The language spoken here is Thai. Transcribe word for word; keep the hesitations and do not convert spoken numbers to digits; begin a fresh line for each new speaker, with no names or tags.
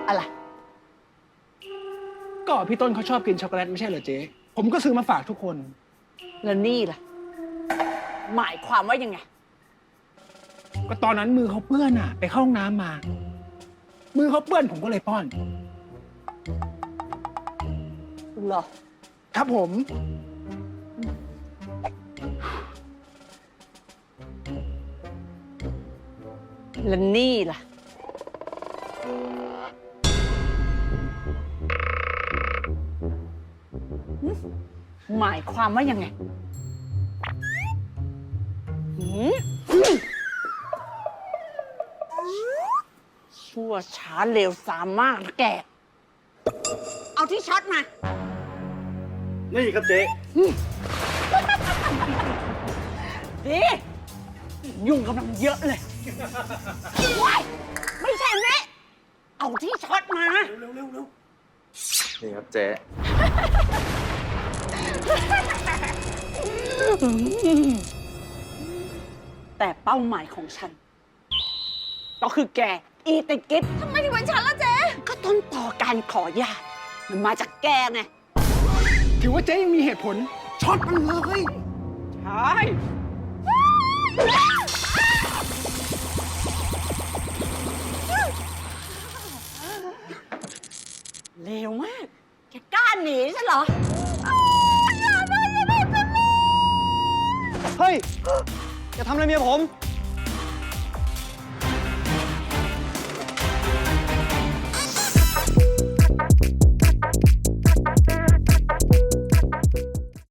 อะไร
ก็พี่ต้นเขาชอบกินช็อกโกแลตไม่ใช่เหรอเจ๊ผมก็ซื้อมาฝากทุกคน
แล้วนี่ล่ะ หมายความว่ายังไง
ก็ตอนนั้นมือเขาเปื้อนอ่ะ ไปเข้าห้องน้ำมา มือเขาเปื้อนผมก็เลยป้อน
เหรอ
ครับผม
แล้วนี่ล่ะ หมายความว่ายังไงหืมชั่วช้าเร็วสามมากนะแก เอาที่ช็อตมา
นี่ครับเจ๊
ดียุ่งกำลังเยอะเลยว้ายไม่ใช่อันนี้เอาที่ช็อตมา
นี่ครับเจ๊
แต่เป้าหมายของฉัน ก็คือแก อีติกิฟทำไมถึงเป็นฉันล่ะเจ๊ก็ต้นต่อการขอญาตมันมาจากแกไง
ถือว่าเจ๊ยังมีเหตุผลช็อตมันเลย
ใช่เร็วมาก แกกล้าหนีฉันเหรอ
เฮ้ย อย่าทำอะไรเมียผม